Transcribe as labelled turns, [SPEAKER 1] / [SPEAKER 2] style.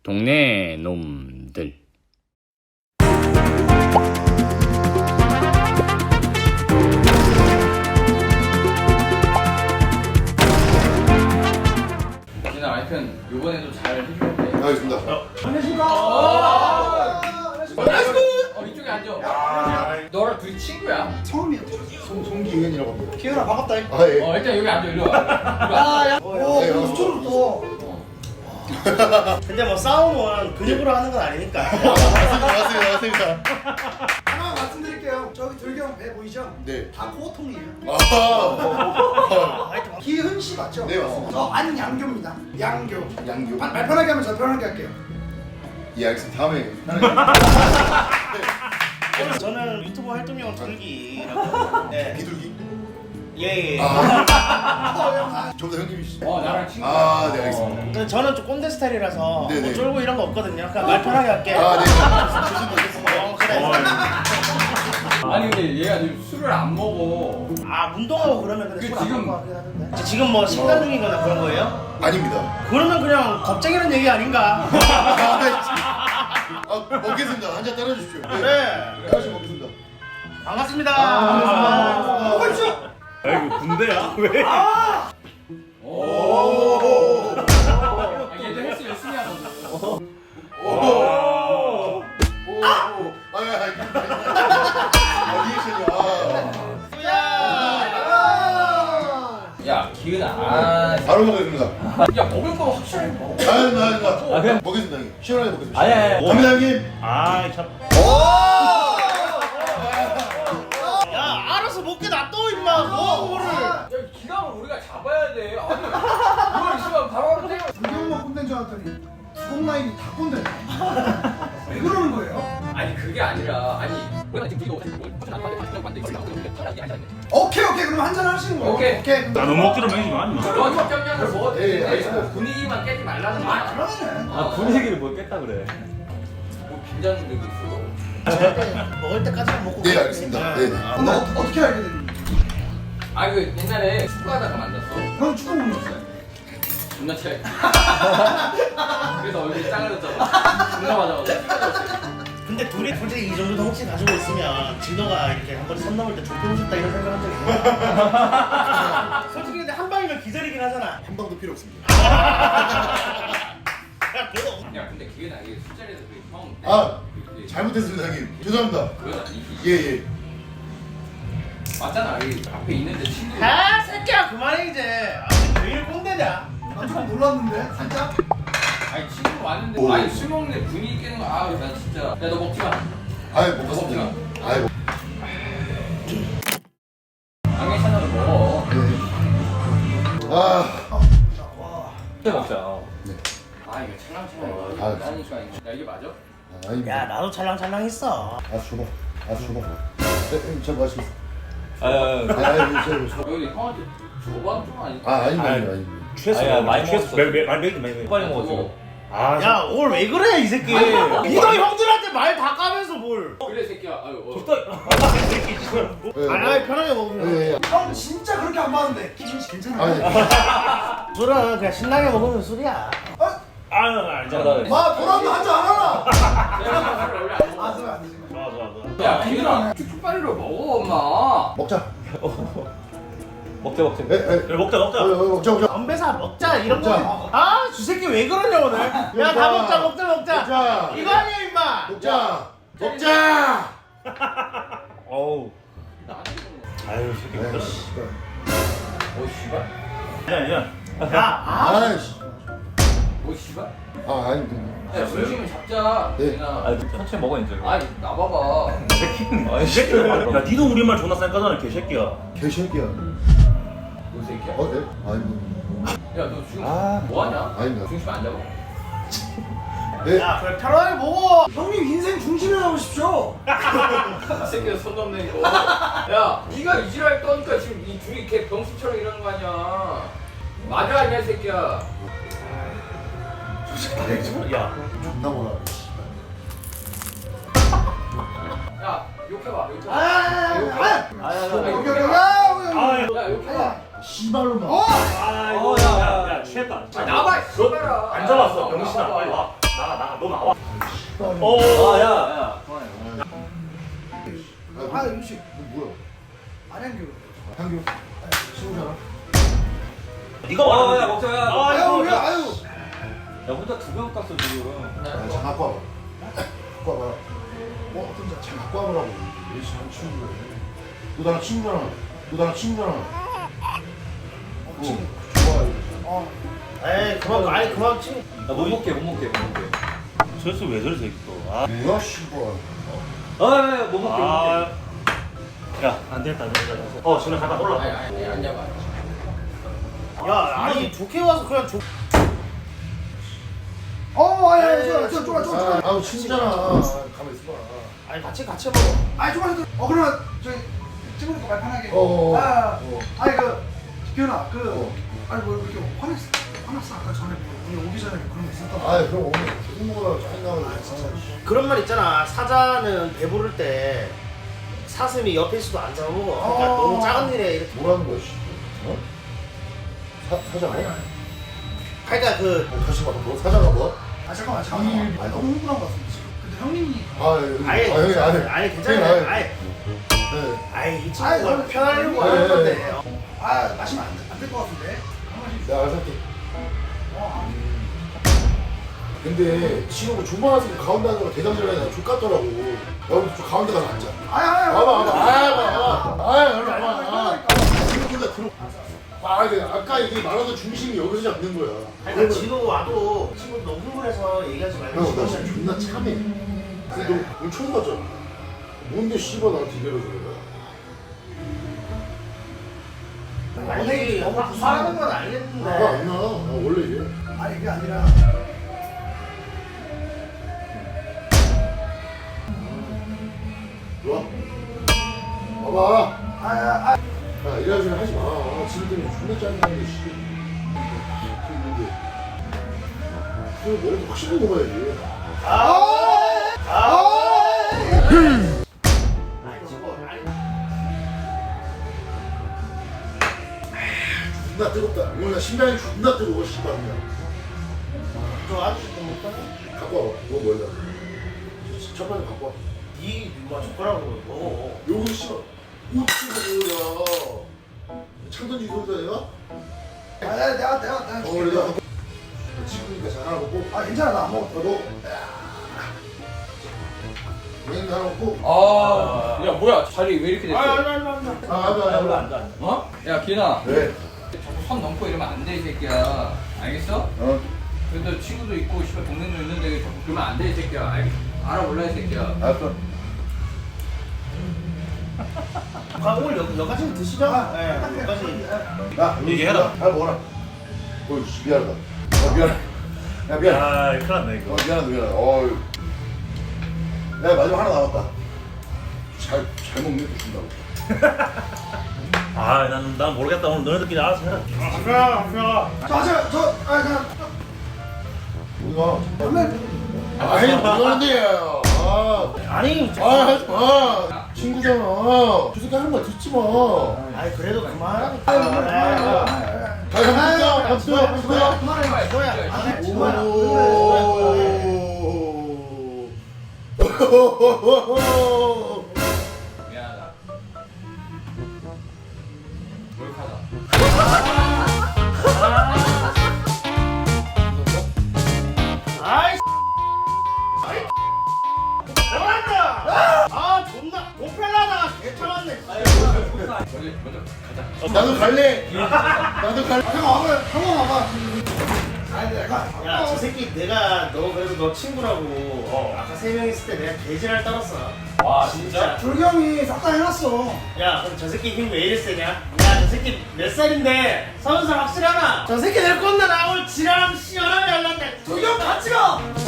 [SPEAKER 1] 동네 놈들.
[SPEAKER 2] 진아 하여튼 요번에도 잘 해줘야 돼.
[SPEAKER 3] 알겠습니다.
[SPEAKER 2] 안녕하십니까. 이쪽에 앉아. 너랑 둘이 친구야?
[SPEAKER 4] 처음이야.
[SPEAKER 3] 송기은이라고 합니다.
[SPEAKER 4] 기현아 반갑다.
[SPEAKER 3] 아 예.
[SPEAKER 2] 일단 여기 앉아. 이리 와.
[SPEAKER 4] 아, 야. 오,
[SPEAKER 3] 네,
[SPEAKER 4] 수초로 또.
[SPEAKER 5] 근데 뭐 싸움은 근육으로 하는 건 아니니까.
[SPEAKER 3] 맞습니다.
[SPEAKER 4] 하나 말씀드릴게요. 저기 들경 배 보이죠?
[SPEAKER 3] 네.
[SPEAKER 4] 다 코어통이에요.
[SPEAKER 3] 아.
[SPEAKER 4] 기훈 씨 맞죠?
[SPEAKER 3] 네, 맞습니다.
[SPEAKER 4] 저 안양교입니다. 양교.
[SPEAKER 3] 양교.
[SPEAKER 4] 말 편하게 하면 저 편하게 할게요.
[SPEAKER 3] 예, 알겠습니다. 다음에.
[SPEAKER 5] 저는 유튜브 활동명 돌기라고. 네.
[SPEAKER 3] 비둘기.
[SPEAKER 5] 예.
[SPEAKER 3] 저보다 형님이시죠?
[SPEAKER 2] 나랑 친구.
[SPEAKER 3] 아, 네, 알겠습니다.
[SPEAKER 5] 근데 저는 좀 꼰대 스타일이라서
[SPEAKER 3] 네네.
[SPEAKER 5] 뭐 쫄고 이런 거 없거든요. 그냥 말 편하게 할게.
[SPEAKER 3] 아, 네. 조심히
[SPEAKER 5] 그래.
[SPEAKER 2] 아니 근데 얘가 지금 술을 안 먹어.
[SPEAKER 5] 아 운동하고 그러면 근데
[SPEAKER 2] 그
[SPEAKER 5] 술안
[SPEAKER 2] 지금-
[SPEAKER 5] 먹고 하긴 하던데. 지금 뭐 식단 중이거나 그런 거예요?
[SPEAKER 3] 아닙니다.
[SPEAKER 5] 그러면 그냥 겁쟁이는 얘기 아닌가?
[SPEAKER 3] 먹겠습니다. 한 잔 따라주십시오.
[SPEAKER 5] 네.
[SPEAKER 3] 다시 먹겠습니다.
[SPEAKER 5] 반갑습니다.
[SPEAKER 4] 먹으시죠.
[SPEAKER 6] 이거 군대야? 왜?
[SPEAKER 2] 얘도 헬스 열심히 하거든.
[SPEAKER 3] 리액션이야.
[SPEAKER 2] 야 기은아.
[SPEAKER 3] 바로 먹겠습니다.
[SPEAKER 2] 야 먹을 거 확실하게 먹어.
[SPEAKER 3] 그냥 먹겠습니다, 형님. 시원하게 먹겠습니다.
[SPEAKER 6] 아니.
[SPEAKER 3] 갑니다, 형님.
[SPEAKER 6] 아, 참.
[SPEAKER 5] 야 알아서 먹게 놔둬 임마. 뭐 그거를.
[SPEAKER 2] 야 기강을 우리가 잡아야 돼. 아니 이걸 있으면 바로 때려.
[SPEAKER 4] 들경만 꼰대인 줄 알았더니 두공 라인이 다 꼰대. 왜 그러는 거예요?
[SPEAKER 2] 아니 그게 아니라 우리가 지금 이거
[SPEAKER 4] 오케이 그럼 한잔 하시는 거예요.
[SPEAKER 2] 오케이.
[SPEAKER 4] 그럼
[SPEAKER 6] 나 너무 억지로 먹이지 마, 임마.
[SPEAKER 2] 너 적정량을 먹어도
[SPEAKER 3] 예,
[SPEAKER 2] 되는데
[SPEAKER 3] 알겠습니다.
[SPEAKER 2] 분위기만 깨지 말라는
[SPEAKER 4] 아
[SPEAKER 2] 거야.
[SPEAKER 4] 그러네.
[SPEAKER 6] 분위기를 못 깼다 그래.
[SPEAKER 2] 뭐 긴장되고 있어.
[SPEAKER 5] 먹을 때까지만 먹고.
[SPEAKER 3] 네, 알겠습니다. 네.
[SPEAKER 4] 근데 어떻게 알게 됐니?
[SPEAKER 2] 그 옛날에 축구하다가 만났어.
[SPEAKER 4] 형 축구 공부했어요?
[SPEAKER 2] 존나 차이. 그래서 얼굴이 짱해졌잖아. 존나 맞아가지고 찢어졌어.
[SPEAKER 5] 근데 둘이 솔직히 이 정도 덩치 가지고 있으면 진도가 이렇게 한 번 선 넘을 때 좁혀고 싶다 이런 생각한 적 있어? 솔직히 근데 한 방이면 기절이긴 하잖아.
[SPEAKER 3] 한 방도 필요 없습니다.
[SPEAKER 5] 야 그거
[SPEAKER 2] 야 근데 그게 나게 술자리에서 형.
[SPEAKER 3] 아, 잘못했습니다, 형님. 죄송합니다.
[SPEAKER 2] 그건 아니지.
[SPEAKER 3] 예.
[SPEAKER 2] 맞잖아. 여기 앞에 있는데 친구.
[SPEAKER 5] 아 새끼야 그만해 이제. 아, 왜 이리 꼰대냐?
[SPEAKER 4] 나 조금 놀랐는데 살짝.
[SPEAKER 2] 아니 친구 왔는데
[SPEAKER 3] 오.
[SPEAKER 2] 술 먹는데 분위기 깨는 거. 나 진짜. 야 너 먹지 마.
[SPEAKER 3] 아이, 먹겠습니다. 아이,
[SPEAKER 2] 당연히 하나를 먹어.
[SPEAKER 3] 네.
[SPEAKER 6] 먹자.
[SPEAKER 2] 이거 찰랑찰랑.
[SPEAKER 3] 아,
[SPEAKER 2] 나니까 야 이게 맞아?
[SPEAKER 3] 아닙니다.
[SPEAKER 5] 야 나도 찰랑찰랑했어.
[SPEAKER 3] 줘봐. 네, 형님, 잘 마시겠습니다.
[SPEAKER 2] 여기 형한테 줘봐 좀 아니.
[SPEAKER 3] 아닙니다.
[SPEAKER 6] 취했어. 많이 먹었어. 많이
[SPEAKER 2] 빨리 먹어 지금.
[SPEAKER 6] 아,
[SPEAKER 5] 야 오늘 왜 그래 이 새끼.
[SPEAKER 2] 아니,
[SPEAKER 5] 니도 형들한테 말 다 까면서 뭘.
[SPEAKER 2] 그래 새끼야. 아유.
[SPEAKER 5] 아 편하게 먹으면.
[SPEAKER 3] 예.
[SPEAKER 4] 형 진짜 그렇게 안 봤는데 기준 씨 괜찮아요?
[SPEAKER 3] 아니,
[SPEAKER 5] 술은 그냥 신나게 먹으면 술이야.
[SPEAKER 6] 알잖아.
[SPEAKER 4] 마 돌아도 한잔 안 하나?
[SPEAKER 2] 내가 술을 원래 안 먹어.
[SPEAKER 4] 아 그러면 안 되지.
[SPEAKER 6] 좋아.
[SPEAKER 2] 야 기은아 쭉쭉 빨리로 먹어 엄마.
[SPEAKER 3] 먹자.
[SPEAKER 6] 먹자.
[SPEAKER 3] 예.
[SPEAKER 6] 먹자.
[SPEAKER 3] 먹자.
[SPEAKER 5] 건배사 먹자 이런 거.
[SPEAKER 3] 먹자.
[SPEAKER 5] 아 주새끼 왜 그러냐 오늘. 야 다 먹자.
[SPEAKER 3] 먹자.
[SPEAKER 5] 이거 아니야 임마.
[SPEAKER 3] 먹자.
[SPEAKER 6] 어우.
[SPEAKER 2] 나한테 이거
[SPEAKER 6] 아유, 새끼 먹자.
[SPEAKER 2] 뭐 씨발?
[SPEAKER 6] 아니야.
[SPEAKER 3] 아이씨.
[SPEAKER 2] 뭐 씨발?
[SPEAKER 3] 아닙니다.
[SPEAKER 2] 야 중심을 잡자.
[SPEAKER 3] 네.
[SPEAKER 2] 기은아.
[SPEAKER 6] 천천히 먹어 이제.
[SPEAKER 2] 아니 나봐봐.
[SPEAKER 6] 아니, 새끼야. 야, 니도 우리말 존나 쌩까잖아, 개새끼야.
[SPEAKER 3] 개새끼야.
[SPEAKER 2] 너 새끼야?
[SPEAKER 3] 네? 아닙니다.
[SPEAKER 2] 야 너 지금
[SPEAKER 3] 아.
[SPEAKER 2] 뭐하냐?
[SPEAKER 3] 아닙니다.
[SPEAKER 2] 중심 안 잡아?
[SPEAKER 3] 네.
[SPEAKER 5] 야 그래 편하게 먹어.
[SPEAKER 4] 형님 인생 중심에 나오십시오.
[SPEAKER 2] 이 새끼가 손 넘네 이거. 야 네가 이지랄 떠니까 지금 이 둘이 걔 병수처럼 이러는 거 아니야. 맞아 아니야 이 새끼야.
[SPEAKER 6] 야,
[SPEAKER 3] 존나 뭐라.
[SPEAKER 2] 야 욕해봐. 야 욕해봐.
[SPEAKER 3] 씨발로만.
[SPEAKER 6] 야, 취했다.
[SPEAKER 2] 나봐. 너봐라.
[SPEAKER 6] 안 잡았어, 병신아. 빨리 와. 나가 너 나와.
[SPEAKER 2] 야 그만해.
[SPEAKER 4] 아 음식
[SPEAKER 3] 너 뭐야?
[SPEAKER 4] 안양교.
[SPEAKER 3] 향교. 친구잖아.
[SPEAKER 6] 네가
[SPEAKER 2] 야
[SPEAKER 6] 말하는
[SPEAKER 2] 먹자 야.
[SPEAKER 4] 아유 왜 아유.
[SPEAKER 2] 야 혼자 2병 깠어 지금.
[SPEAKER 3] 야, 장 갖고 와봐. 갖고 와봐. 어떤 장 갖고 와보라고. 왜 사람 친구야? 너 나랑 친구잖아. 너 나랑 친구잖아. 친구. 좋아.
[SPEAKER 5] 에이 그만 아니 그만 치.
[SPEAKER 2] 못 먹게 못 먹게 못 먹게.
[SPEAKER 6] 저수 왜 저래 새끼 또. 아.
[SPEAKER 3] 뭐야 씨발.
[SPEAKER 2] 못 먹게.
[SPEAKER 6] 아. 야안 되겠다 안 되겠다. 진우 잠깐 올라가.
[SPEAKER 2] 아니 안 잡아.
[SPEAKER 5] 야 아니 좋게 와서 그냥 좋.
[SPEAKER 4] 아니 좋아.
[SPEAKER 3] 아우 친구잖아. 가만 있어봐.
[SPEAKER 5] 아니 같이 먹어.
[SPEAKER 4] 아니 좀만 더. 그러면 저기 찍으니까 말 편하게.
[SPEAKER 3] 어.
[SPEAKER 4] 아니 기현아 아니 뭐 이렇게 화났어 아까 전에 뭐 우리 오기 전에 그런 거 있었던 거.
[SPEAKER 3] 아 그럼 오늘 계속 먹으라고 짜증나고 진짜.
[SPEAKER 5] 그런 말 있잖아. 사자는 배부를 때 사슴이 옆에 있어도 안 잡아먹어. 그러니까 너무 작은 일에 이렇게.
[SPEAKER 3] 뭐라는 거야 씨. 어? 사자 뭐?
[SPEAKER 5] 그러니까 그
[SPEAKER 3] 다시 말해. 너 사자가 뭐?
[SPEAKER 4] 아 잠깐만. 아니 너무 흥분한 것 같은데 지금. 근데 형님이
[SPEAKER 5] 아예
[SPEAKER 3] 형이
[SPEAKER 5] 아예 괜찮아요. 아예
[SPEAKER 3] 네.
[SPEAKER 5] 아예 이
[SPEAKER 4] 아이,
[SPEAKER 5] 친구가
[SPEAKER 4] 그럼-
[SPEAKER 5] 편하려고
[SPEAKER 3] 네,
[SPEAKER 5] 하는
[SPEAKER 3] 네,
[SPEAKER 5] 건데.
[SPEAKER 4] 마시면 안 될 것 같은데. 한 번씩.
[SPEAKER 3] 내가 알아서 할게. 근데 친구가 중반에서 가운데 앉아서 대장질 하냐 족같더라고. 여기 좀 가운데 가서 앉자. 와봐. 친구가 들어. 아까 이게 말하던 중심이 여기서 잡는 거야.
[SPEAKER 5] 그러니까 진호 와도 친구 너무 흥분해서 얘기하지 말고.
[SPEAKER 3] 형, 나 진짜 존나 참해. 근데 너 오늘 처음 봤잖아. 뭔데 씨발 나한테 이래서 그래.
[SPEAKER 5] 아니 너무 부사하는 건 알겠는데.
[SPEAKER 3] 안 나. 원래 이래.
[SPEAKER 4] 아니 이게 아니라.
[SPEAKER 3] 좋아. 봐봐.
[SPEAKER 4] 아.
[SPEAKER 3] 야, 이런 소리 하지 마. 지금 때문에 존나 짜증나는데, 씨. 있는데. 그래, 머리도 확실히 먹어야지. 존나 뜨겁다. 오늘 나 심장이 존나 뜨거워, 씨발. 그냥.
[SPEAKER 5] 저 아저씨 좀 못하네.
[SPEAKER 3] 갖고 와봐. 뭐 뭐야? 첫 번째 갖고 와.
[SPEAKER 5] 이 누가 젓가락으로 먹어.
[SPEAKER 3] 여기 씨발. 우측이야. 창던지 소리다 내가?
[SPEAKER 4] 내가.
[SPEAKER 3] 그래, 내가. 친구니까 잘 하나 먹고.
[SPEAKER 4] 괜찮아 나 안 먹어.
[SPEAKER 3] 너. 우리는 하나 먹고.
[SPEAKER 2] 야 뭐야 자리 왜 이렇게 됐어?
[SPEAKER 3] 앉아.
[SPEAKER 2] 어? 야 기현아.
[SPEAKER 3] 왜?
[SPEAKER 2] 자꾸 선 넘고 이러면 안 돼 이 새끼야. 알겠어? 그래도 친구도 있고 씨발 동생도 있는데 자꾸 그러면 안 돼 이 새끼야. 알아볼라 이 새끼야.
[SPEAKER 3] 알았어.
[SPEAKER 5] 오늘 여기까지 드시자. 네, 여기까지.
[SPEAKER 3] 야,
[SPEAKER 6] 얘기해라.
[SPEAKER 3] 잘 먹어라. 씨, 미안하다. 미안해. 야, 미안해.
[SPEAKER 6] 아 큰일 났네 이거.
[SPEAKER 3] 미안해. 야, 마지막 하나 남았다. 잘 먹네, 또 준다고.
[SPEAKER 6] 난 모르겠다. 오늘 너네들끼리 알아서 해라.
[SPEAKER 3] 우리가. 아이, 뭐하는데?
[SPEAKER 5] 아니
[SPEAKER 3] 하지 마. 친구잖아. 저 새끼 하는 말 듣지 마.
[SPEAKER 5] 아니 그래도 그만.
[SPEAKER 3] 감사합니다.
[SPEAKER 2] 미안하다. 몰카다.
[SPEAKER 5] 아이 뭐란다. 존나 고펠라다가 개참았네.
[SPEAKER 2] 먼저 가자.
[SPEAKER 3] 나도 갈래. 나도 갈래.
[SPEAKER 4] 형아 와봐.
[SPEAKER 5] 야 저 새끼 내가 너 그래도 너 친구라고 아까 3명 있을 때 내가 개지랄 떨었어.
[SPEAKER 2] 와 진짜?
[SPEAKER 4] 불경이 싹 다 해놨어.
[SPEAKER 5] 야 그럼 저 새끼 힘 왜 이리 세냐? 야 저 새끼 몇 살인데 30살 확실하나? 저 새끼 내 꼰대 나 오늘 지랄하면 시원하게 할란데.
[SPEAKER 4] 불경 같이 가.